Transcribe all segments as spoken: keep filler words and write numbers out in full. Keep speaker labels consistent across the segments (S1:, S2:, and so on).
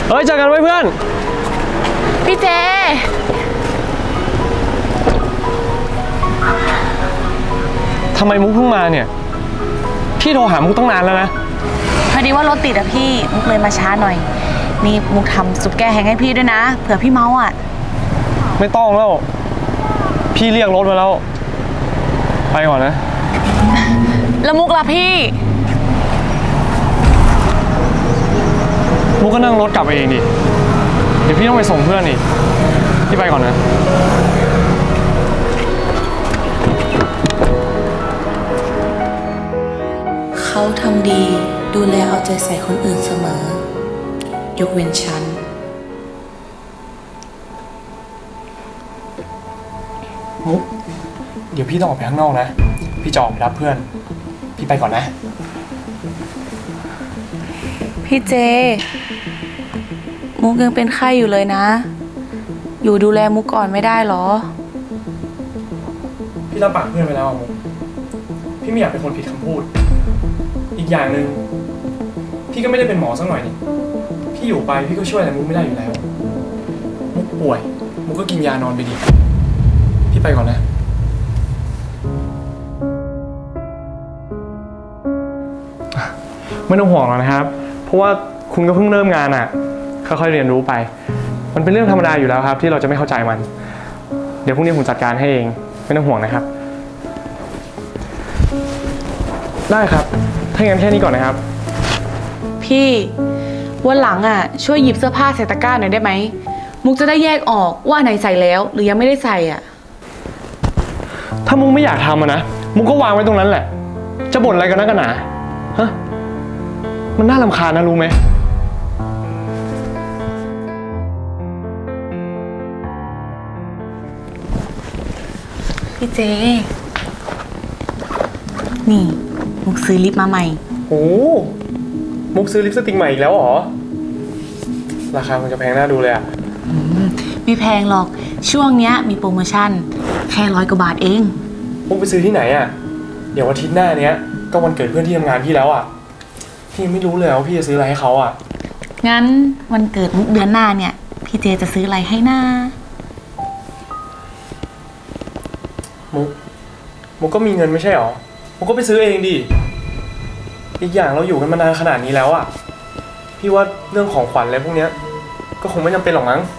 S1: เฮ้ยเจอกันไว้เพื่อน
S2: พี่เจ
S1: ทำไมมุกเพิ่งมาเนี่ยพี่โทรหามุกตั้งนานแล้วนะ
S2: พอดีว่ารถติดอะพี่มุกเลยมาช้าหน่อยนี่มุกทำซุปแกงแห้งให้พี่ด้วยนะเผื่อพี่เมาอะ
S1: ไม่ต้องแล้วพี่เรียกรถมาแล้วไปก่อนนะ
S2: แล้วมุกล่ะพี่
S1: มุกก็นั่งรถกลับไปเองดิเดี๋ยวพี่ต้องไปส่งเพื่อนอีกพี่ไปก่อนนะ
S3: เขาทำดีดูแลเอาใจใส่คนอื่นเสมอยกเว้นฉัน
S1: มุกเดี๋ยวพี่ต้องออกไปข้างนอกนะพี่จะออกไปรับเพื่อนพี่ไปก่อนนะ
S2: พี่เจมุกยังเป็นไข้อยู่เลยนะอยู่ดูแลมุกก่อนไม่ได้หรอ
S1: พี่รับปากเพื่อนไปแล้วมุกพี่ไม่อยากเป็นคนผิดคำพูดอีกอย่างหนึ่งพี่ก็ไม่ได้เป็นหมอสักหน่อยนี่พี่อยู่ไปพี่ก็ช่วยอะไรมุกไม่ได้อยู่แล้วมุกป่วยมุกก็กินยานอนไปดิพี่ไปก่อนนะไม่ต้องห่วงหรอกนะครับเพราะว่าคุณก็เพิ่งเริ่มงานอ่ะค่อยๆเรียนรู้ไปมันเป็นเรื่องธรรมดาอยู่แล้วครับที่เราจะไม่เข้าใจมันเดี๋ยวพรุ่งนี้ผมจัดการให้เองไม่ต้องห่วงนะครับได้ครับถ้างั้นแค่นี้ก่อนนะครับ
S2: พี่วันหลังอ่ะช่วยหยิบเสื้อผ้าใส่ตะกร้าหน่อยได้ไหมมุกจะได้แยกออกว่าไหนใส่แล้วหรือยังไม่ได้ใส่อ่ะ
S1: ถ้ามุกไม่อยากทำอะนะมุกก็วางไว้ตรงนั้นแหละจะบ่นอะไรกันนักกันหนาฮะมันน่ารำคาญนะรู้ไหม
S2: พี่เจนี่มุกซื้อลิปมาใหม่
S1: โอ้มุกซื้อลิปสติกใหม่อีกแล้วเหรอราคามันจะแพงน่าดูเลยอะ
S2: ไม่แพงหรอกช่วงเนี้ยมีโปรโมชั่นแค่ร้อยกว่าบาทเอง
S1: มุกไปซื้อที่ไหนอะเดี๋ยวอาทิตย์หน้าเนี้ยก็วันเกิดเพื่อนที่ทำงานพี่แล้วอะพี่ไม่รู้เลยว่าพี่จะซื้ออะไรให้เขาอะ
S2: งั้นวันเกิดมุกเดือนหน้าเนี่ยพี่เจจะซื้ออะไรให้หน้า
S1: มุกมุกก็มีเงินไม่ใช่หรอมุกก็ไปซื้อเองดิอีกอย่างเราอยู่กันมานานขนาดนี้แล้วอะพี่ว่าเรื่องของขวัญอะไรพวกเนี้ยก็คงไม่จำเป็นหรอกมั้ง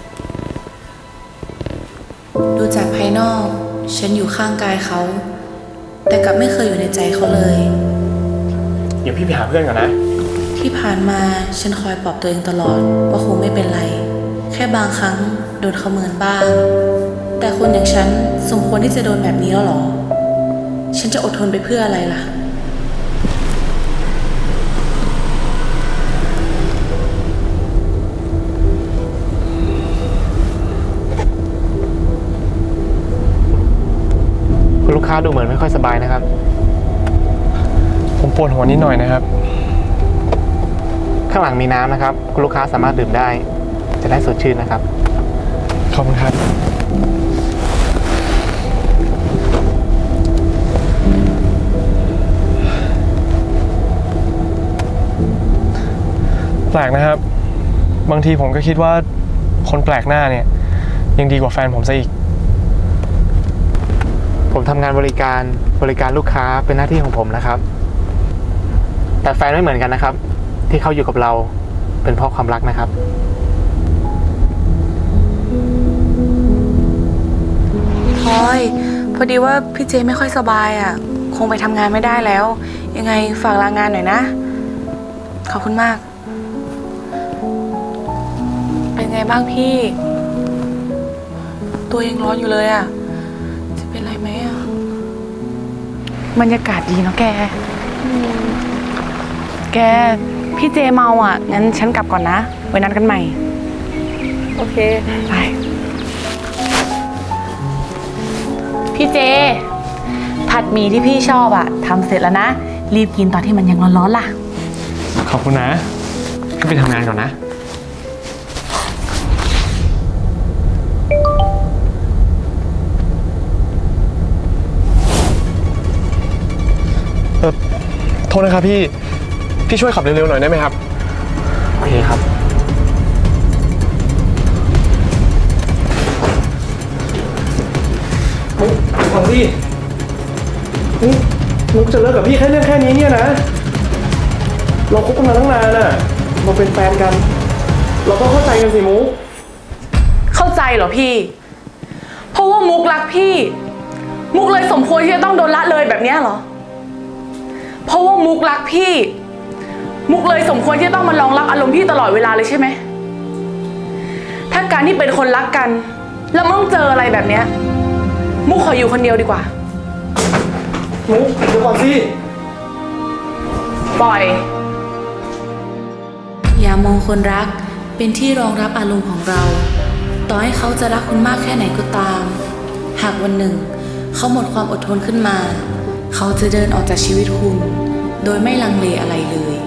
S3: ดูจากภายนอกฉันอยู่ข้างกายเขาแต่กลับไม่เคยอยู่ในใจเขาเลย
S1: เดี๋ยวพี่ไปหาเพื่อนก่อนนะ
S3: ที่ผ่านมาฉันคอยปลอบตัวเองตลอดว่าคงไม่เป็นไรแค่บางครั้งโดนเขาเมินบ้างแต่คนอย่างฉันสมควรที่จะโดนแบบนี้แล้วหรอฉันจะอดทนไปเพื่ออะไรล่ะ
S1: คุณลูกค้าดูเหมือนไม่ค่อยสบายนะครับผมปวดหัวนิดหน่อยนะครับ
S4: ข้างหลังมีน้ำนะครับคุณลูกค้าสามารถดื่มได้จะได้สดชื่นนะครับ
S1: ขอบคุณครับแปลกนะครับบางทีผมก็คิดว่าคนแปลกหน้าเนี่ยยังดีกว่าแฟนผมซะอีก
S4: ผมทำงานบริการบริการลูกค้าเป็นหน้าที่ของผมนะครับแต่แฟนไม่เหมือนกันนะครับที่เขาอยู่กับเราเป็นเพราะความรักนะครับ
S2: พลอยพอดีว่าพี่เจไม่ค่อยสบายอ่ะคงไปทำงานไม่ได้แล้วยังไงฝากลางานหน่อยนะขอบคุณมากเป็นไงบ้างพี่ตัวยังร้อนอยู่เลยอ่ะจะเป็นไรไหมอ่ะบรรยากาศดีเนาะแกแกพี่เจเมาอ่ะงั้นฉันกลับก่อนนะไว้นัดกันใหม่โอเคไปพี่เจผัดหมี่ที่พี่ชอบอ่ะทำเสร็จแล้วนะรีบกินตอนที่มันยังร้อนๆล่ะ
S1: ขอบคุณนะขึ้นไปทำงานก่อนนะเออโทษนะครับพี่พี่ช่วยขับเร็วๆหน่อยได้ไหมครับ
S4: โอเคครับ
S1: กจะเลิกกับพี่แค่เรื่องแค่นี้เนี่ยนะ เราคบกันมาตั้งนานอะเราเป็นแฟนกัน เราต้องเข้าใจกันสิมุก
S2: เข้าใจเหรอพี่ เพราะว่ามุกรักพี่ มุกเลยสมควรที่จะต้องโดนละเลยแบบเนี้ยเหรอ เพราะว่ามุกรักพี่ มุกเลยสมควรที่จะต้องมารองรับอารมณ์พี่ตลอดเวลาเลยใช่ไหม ถ้าการที่เป็นคนรักกัน แล้วมันต้องเจออะไรแบบเนี้ย มุกขออยู่คนเดียวดีกว่า
S1: มุกเดี๋ยวก่อนสิ
S2: ปล่อย
S3: อย่ามองคนรักเป็นที่รองรับอารมณ์ของเรา ต่อให้เขาจะรักคุณมากแค่ไหนก็ตาม หากวันหนึ่ง เขาหมดความอดทนขึ้นมา เขาจะเดินออกจากชีวิตคุณ โดยไม่ลังเลอะไรเลย